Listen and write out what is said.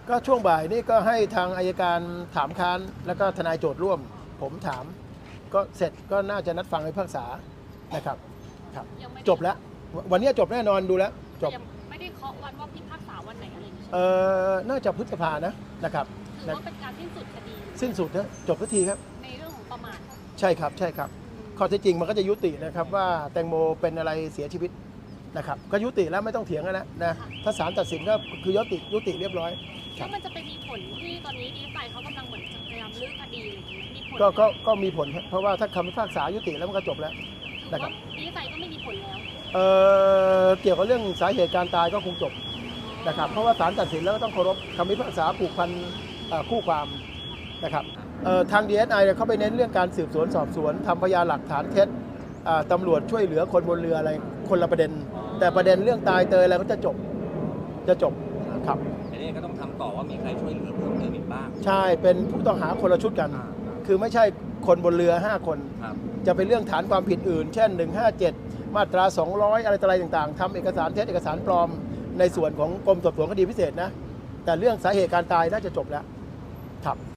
ก็ช่วงบ่ายนี่ก็ให้ทางอัยการถามค้านแล้วก็ทนายโจทย์ร่วมผมถามก็เสร็จก็น่าจะนัดฟังในพิพากษานะครับครับจบแล้ววันนี้จบแน่นอนดูแล้วจบยังไม่ได้เคาะวันว่าพิพากษาวันไหนอะไรอย่างเงี้ยน่าจะพฤษภานะครับถือว่าเป็นการสิ้นสุดคดีสิ้นสุดนะจบทันทีครับในเรื่องของประมาทใช่ครับใช่ครับข้อเท็จจริงมันก็จะยุตินะครับว่าแตงโมเป็นอะไรเสียชีวิตนะครับก็ยุติแล้วไม่ต้องเถียงกันแล้วนะถ้าศาลตัดสินก็คือยุติเรียบร้อยแล้วมันจะไปมีผลที่ตอนนี้ดีไซน์เขากำลังเหมือนจะพยายามลื้อคดีมีผลก็มีผลเพราะว่าถ้าคำพิพากษายุติแล้วมันก็จบแล้วนะครับดีไซน์ก็ไม่มีผลแล้วเกี่ยวกับเรื่องสาเหตุการตายก็คงจบนะครับเพราะว่าศาลตัดสินแล้วก็ต้องเคารพคำพิพากษาผูกพันคู่ความนะครับทาง DSI เขาไปเน้นเรื่องการสืบสวนสอบสวนทำพยานหลักฐานเท็จตำรวจช่วยเหลือคนบนเรืออะไรคนละประเด็นแต่ประเด็นเรื่องตายเตยอะไรก็จะจบครับทีนี้ก็ต้องทำต่อว่ามีใครช่วยเหลือเพิ่มเติมอีกบ้างใช่เป็นผู้ต้องหาคนละชุดกันคือไม่ใช่คนบนเรือ5คนจะเป็นเรื่องฐานความผิดอื่นเช่น157มาตรา200อะไรต่างๆทำเอกสารเท็จเอกสารปลอมในส่วนของกรมสอบสวนคดีพิเศษนะแต่เรื่องสาเหตุการตายน่าจะจบแล้วครับ